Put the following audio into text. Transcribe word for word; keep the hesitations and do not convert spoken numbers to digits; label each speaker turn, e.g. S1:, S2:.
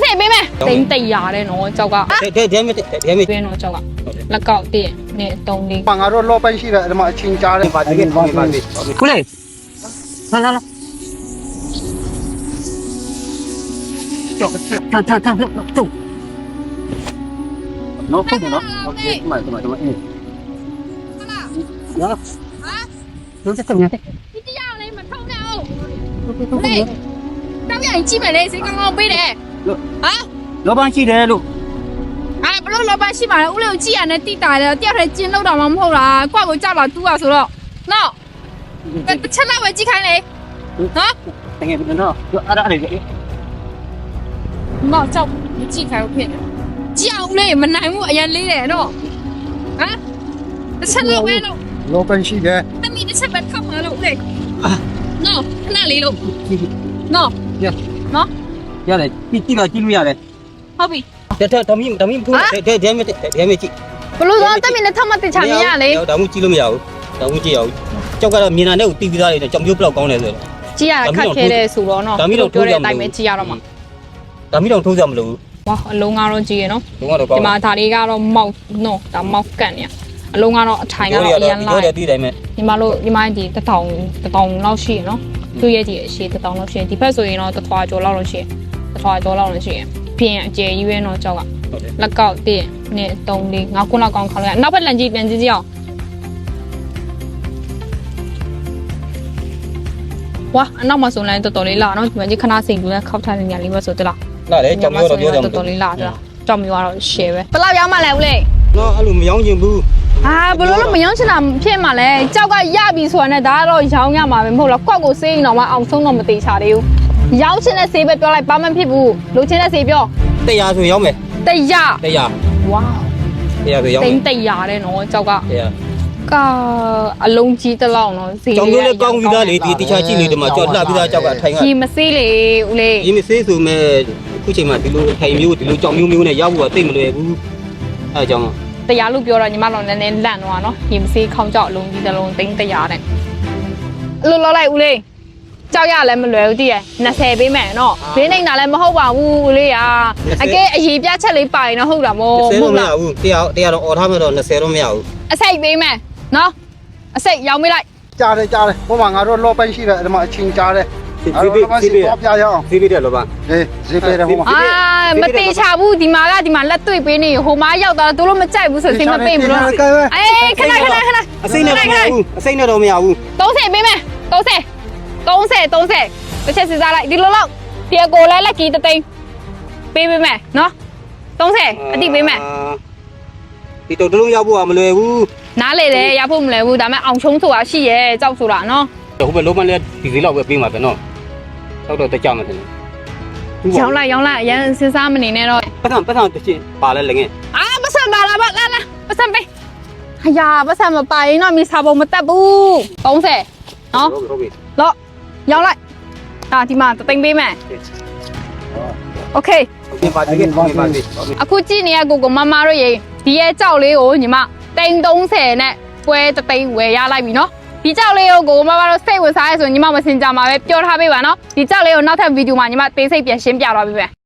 S1: စိတ်ပေးမယ်တိန်းတိတ်ရတယ်နော်ကြောက်က
S2: တဲ့တဲ့မဲ့တဲ့မဲ့
S1: တွင်းတော့ကြောက်ကလက်ကောက်တည့်နဲ့သုံးလေး
S3: ငါတို့လောပိုင်ရှိတယ်အဲ့မှာအချင်းကြားတယ်
S2: ပါတကယ်ပါပါခုလေလာလာလာကြောက်ထထထထနော်ဟုတ်နော်โอเคမှန်တယ်မှန်တယ်အေးနော်ဟာလုံးစက်တယ်
S1: ဒီတရားလေးမထုံးနဲ့အောင်လေတောင်းရင်ကြည့်မယ်လေစိတ်ကောင်းကောင်းပေးတယ်ဟာ
S2: လောပန်းရှိတယ်လို့
S1: အာဘလို့လောပါရှိပါလေဦးလေးကိုကြည့်ရနဲ့တိတာတယ်တယောက်တည်းကျင်းလို့တော့မှမဟုတ်လားကွက်ကိုကြောက်လာတူးอ่ะဆိုတော့နော်တစ်ချက်လောက်ပဲကြည့်ခိုင်းလေနော်
S2: တကယ်နော်အဲ့ဒါအဲ့ဒါ
S1: မောက်ကြောက်မကြည့်ခိုင်းဘူးဖြစ်တယ်ကြည့်အောင်လေမနိုင်ဘူးအရင်လေးတယ်နော်ဟမ်တစ်ချက်လောက်ပဲလို့
S3: လောပိုင်ရှိတယ်
S1: တမီတစ်ချက်ပဲထောက်မှာလို့ဦးလေးနော်ခဏလေးလို့နော်
S2: ရ
S1: နော်
S2: ရတယ်ကြည့်ကြည့်ပါကြည့်လို့ရတယ်
S1: ဟုတ်ပြီ
S2: တဲ့တဲ့တမီးတမီးထိုးတဲ့တဲ့မဲ့တဲ့မဲ့ကြည့်
S1: ဘလို့တော့တမီနဲ့ထောက်မှတင်ချမြင်ရလေ
S2: ဒါမှကြည့်လို့မရဘူးဒါမှကြည့်ရအောင်ကြောက်ကတော့မြင်တာနဲ့ကိုတီးပြီးသားလေးကြောင်မျိုးဘလောက်ကောင်းလဲဆိုတော့
S1: ကြည့်ရခက်ခဲတဲ့ဆိုတော့နော်ပြောတဲ့အတိုင်းပဲကြည့်ရတော့မှာ
S2: ဒါမှတော့ထိုးကြမလို့
S1: ဝါအလုံးကတော့ကြည့်ရနော်
S2: လုံးကတော့ကော
S1: ဒီ
S2: င်း
S1: မှာဒါလေးကတော့မောက်နော်ဒါမောက်ကန်နေအလုံးကတော့အထိုင်ကတော့အရန်လာ
S2: တယ်တီးတိုင်းမဲ့
S1: ဒီမှာလို့ဒီမှာဒီတထောင်တထောင်လောက်ရှိရနော်သူ့ရဲ့ဒီအရှိတထောင်လောက်ရှိဒီဘက်ဆိုရင်တော့တထွာကျော်လောက်လို့ရှိတထွာကျော်လောက်လို့ရှိပြင်အကျယ်ကြီးပဲနော်ကြောက်ကလက်ကောက်တည့်နဲ့သုံးလေးငါးခုလောက်ကောင်းခေါင်းလိုက်နောက်ဘက်လန်ကြီးပြန်ကြည့်ကြည့်အောင်ဝါအနောက်မှာဆိုလည်းတော်တော်လေးလာနော်ဒီမှာကြီးခဏစိန်တူနဲ့ခောက်ထားတဲ့ညလေးပဲဆိုတလား
S2: လာတယ်ကြောင်မျိုးတော့ပြောကြမှာ
S1: တော်တော်လေးလာကြလားကြောင်မျိုးကတော့ share ပဲဘယ်လောက်ရောက်မှလဲဦးလေး
S2: နော်အဲ့လိုမယောင်းချင်ဘူး
S1: အာဘလို့လို့မယောင်းချင်တာဖြစ်မှာလဲကြောက်ကရပြီဆိုတာနဲ့ဒါကတော့ရောင်းရမှာပဲမဟုတ်လားကွက်ကိုစေးရင်တော့မအောင်ဆုံးတော့မသေးချာသေးဘူးရောင်းချင်တဲ့စေးပဲပြောလိုက်ဘာမှဖြစ်ဘူးလိုချင်တဲ့စေးပြော
S2: တရားဆိုရောက်မယ်
S1: တရား
S2: တရား
S1: ဝါ
S2: တရားဆိုရောက်
S1: တိ
S2: မယ်
S1: န်တရားတဲ့နော်ကြောက်က
S2: တရား
S1: ကအလုံးကြီးတစ်လောက်နော်စေး
S2: ကြောင်မျိုးလည်းကောင်းပြီးသားလေဒီတခြားကြည့်လေဒီမှာကြောက်လှပြီးသားကြောက်ကထိုင်က
S1: ကြီးမစေးလေဦးလေး
S2: ဒီမစေးဆိုမဲ့အခုချိန်မှာဒီလိုထိုင်မျိုးဒီလိုကြောင်မျိုးမျိုးနဲ့ရောက်ဖို့ကသိမလွယ်ဘူးအဲအကြောင်း
S1: တရားလို့ပြောတော့ညီမတို့နည်းနည်းလန့်သွားနော်ကြီးမစေးခေါင်းကြောက်အလုံးကြီးတစ်လုံးတိန်တရားတဲ့လို့လောက်လိုက်ဦးလေးကြောက်ရလည်းမလွယ်ဘူးတည်ရနှစ်ဆယ်ပေးမယ်နော်ဘေးနေတာလည်းမဟုတ်ပါဘူးဦးလေးอ่ะအကဲအရေးပြချက်လေးပါရင်တော့ဟုတ်တာမို့
S2: ဆယ်တော့မရဘူးတရားတရားတော့អော်ထားမှတော့၂၀တော့မရဘူး
S1: အစိတ်ပေးမယ်နော်အစိတ်ရောင်းပေးလိုက်
S3: ကြားတယ်ကြားတယ်ဟိုမှာငါတို့လောပိုင်ရှိတယ်အဲ့မှာအချင်းကြားတယ်
S2: ဈေးပေးဈေးပေး
S3: ပြရအောင်
S2: ဈေးပေးတယ်လောပါ
S3: အေးဈေးပေးတယ်ဟိုမှာ
S1: အာမတေချဘူးဒီမှာကဒီမှာလက်တွေ့ပေးနေဟိုမှာရောက်သွားတော့သူတို့မကြိုက်ဘူးဆိုစိတ်မပေးဘူးလို့အေးခဏခဏခဏ
S2: အစိမ့်နဲ့တော့မရဘူးအစိမ့်နဲ့တော့မရဘူး
S1: 30ပေးမယ်30 30 30တစ်ချက်စစ်စားလိုက်ဒီလိုလောက်ဒီအကိုလဲလက်ကြီးတသိန်းပေးပေးမယ်နော်30အတိပေးမယ်
S2: ဒီတော့တလုံးရောက်ဖို့ကမလွယ်ဘူး
S1: နားလေလေရဖို့မလဲဘူးဒါပေမဲ့အောင်ချုံးဆိုတာရှိရဲကြောက်ဆိုတာနော်
S2: ဟိုဘက်လုံးမလဲဒီဈေးလောက်ပဲပေးမှာပဲနော်တော့တော့တကြမှာတယ်
S1: ရောင်းလိုက်ရောင်းလိုက်အရင်စဉ်းစားမနေနဲ့တော့
S2: ပတ်စံပတ်စံတစ်ချင်းပါလဲလည်းငယ်
S1: အာပတ်စံပါလာပါလာလာပတ်စံပေးဟာယာပတ်စံမပါရင်တော့မိစားပုံမတက်ဘူး30နော်
S2: ဟုတ်ပြီ
S1: လော့ရောင်းလိုက်ဒါဒီမှာတသိန်းပေးမယ်โอเค
S2: ဟုတ်ပြီပါတကယ်ပါပါပြီ
S1: အခုကြည့်နေရကိုကိုမမတို့ရေဒီရဲ့ကြောက်လေးကိုညီမတိန်30နဲ့ပွဲတသိန်းဝယ်ရလိုက်ပြီနော်ဒီကြောက်လေးကိုကိုမမတို့စိတ်ဝင်စားရဲဆိုညီမမစင်ကြမှာပဲပြောထားပေးပါနော်ဒီကြောက်လေးကိုနောက်ထပ်ဗီဒီယိုမှာညီမသေးစိတ်ပြန်ရှင်းပြတော့ပေးမယ်